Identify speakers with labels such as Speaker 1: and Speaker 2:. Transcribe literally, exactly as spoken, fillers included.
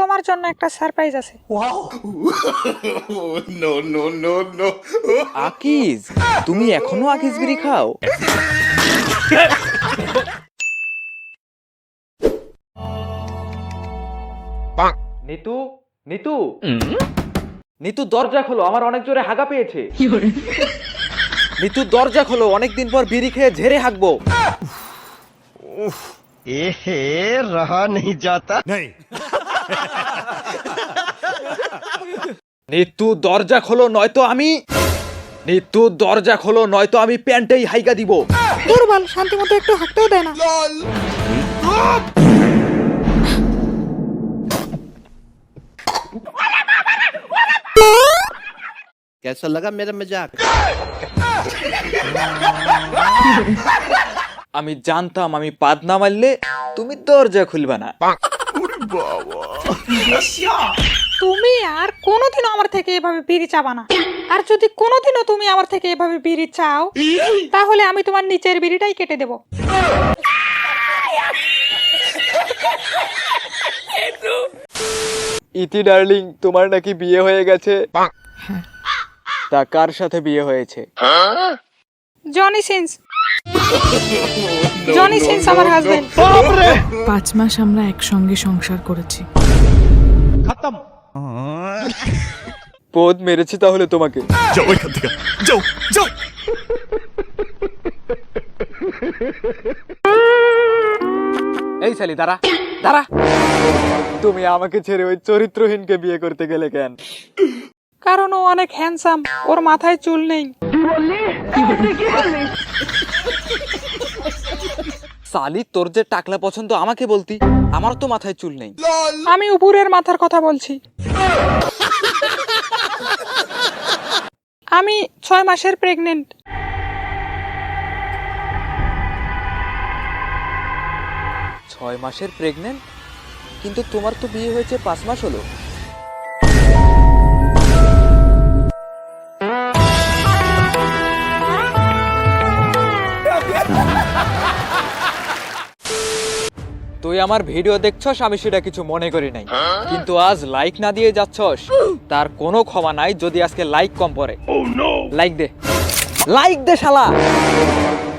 Speaker 1: তোমার জন্য একটা সারপ্রাইজ আছে।
Speaker 2: No no no no
Speaker 3: Akij, তুমি এখনো আকিজ বিড়ি খাও? নিতু, নিতু, নিতু দরজা খোলো, আমার অনেক জোরে হাগা পেয়েছে। নিতু দরজা খোলো, অনেকদিন পর বিড়ি খেয়ে ঝেড়ে হাগবো।
Speaker 4: এহে রহা নেই যাতা।
Speaker 3: নিতু দরজা খোলো, নয়তো আমি নিতু দরজা খোলো নয়তো আমি প্যান্টেই হাইগা দিব।
Speaker 1: দুর্বল, শান্তি মতো একটু হাঁটতেও দেয় না।
Speaker 4: कैसा लगा मेरा मजाक?
Speaker 3: আমি জানতাম আমি পাদ না মারলে তুমি দরজা খুলবা না।
Speaker 1: তুমি আর কোনোদিনও আমার থেকে এভাবে বিড়ি চাবা না। আর যদি কোনোদিনও তুমি আমার থেকে এভাবে বিড়ি চাও, তাহলে আমি তোমার নিচের বিড়িটাই কেটে দেব।
Speaker 3: ইতি ডার্লিং, তোমার নাকি বিয়ে হয়ে গেছে? তা কার সাথে বিয়ে হয়েছে?
Speaker 1: Johnny Sins. জনি সিন্স আমার হাজবেন্ড।
Speaker 5: পাঁচ মাস আমরা একসঙ্গে সংসার করেছি।
Speaker 3: পদ মেরেছি তাহলে তোমাকে।
Speaker 2: যাও এখান থেকে, যাও যাও।
Speaker 3: এই শালি দাঁড়া দাঁড়া, তুমি আমাকে ছেড়ে ওই চরিত্রহীনকে বিয়ে করতে গেলে কেন?
Speaker 1: কারণ ও অনেক হ্যান্ডসাম, ওর মাথায় চুল নেই।
Speaker 3: সালি, তোর যে টাকলা পছন্দ আমাকে বলতি, আমার তো মাথায় চুল নেই।
Speaker 1: আমি উপরের মাথার কথা বলছি। আমি ছয় মাসের প্রেগনেন্ট।
Speaker 3: ছয় মাসের প্রেগনেন্ট? কিন্তু তোমার তো বিয়ে হয়েছে পাঁচ মাস হলো। তুই আমার ভিডিও দেখছস, আমি সেটা কিছু মনে করি নাই, কিন্তু আজ লাইক না দিয়ে যাচ্ছস, তার কোনো ক্ষমা নাই যদি আজকে লাইক কম পড়ে। লাইক দে, লাইক দে শালা।